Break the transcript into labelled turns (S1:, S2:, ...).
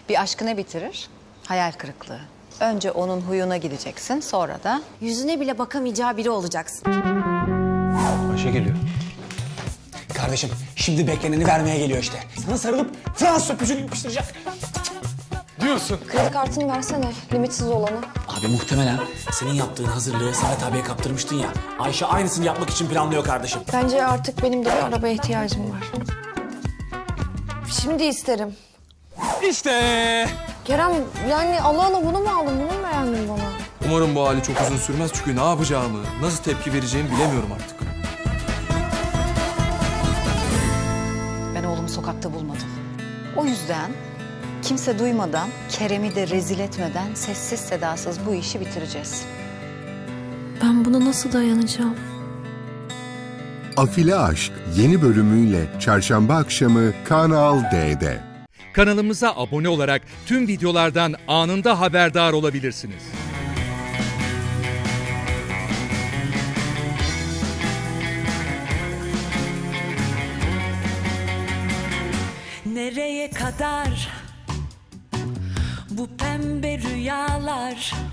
S1: Bir aşkı ne bitirir? Hayal kırıklığı. Önce onun huyuna gideceksin, sonra da...
S2: Yüzüne bile bakamayacağı biri olacaksın.
S3: Ayşe geliyor.
S4: Kardeşim şimdi bekleneni vermeye geliyor işte. Sana sarılıp Fransız öpücüğünü yapıştıracak.
S3: Diyorsun.
S5: Kredi kartını versene, limitsiz olanı.
S4: Abi muhtemelen senin yaptığın hazırlığı Samet abiye kaptırmıştın ya. Ayşe aynısını yapmak için planlıyor kardeşim.
S5: Bence artık benim de bir arabaya ihtiyacım var. Şimdi isterim.
S3: İşte.
S5: Kerem, yani Allah Allah bunu mu aldın, bunu mu beğendin bana?
S3: Umarım bu hali çok uzun sürmez çünkü ne yapacağımı, nasıl tepki vereceğimi bilemiyorum artık.
S1: Ben oğlumu sokakta bulmadım. O yüzden kimse duymadan, Kerem'i de rezil etmeden sessiz sedasız bu işi bitireceğiz.
S5: Ben buna nasıl dayanacağım?
S6: Afili Aşk yeni bölümüyle çarşamba akşamı Kanal D'de.
S7: Kanalımıza abone olarak tüm videolardan anında haberdar olabilirsiniz.
S8: Nereye kadar bu pembe rüyalar?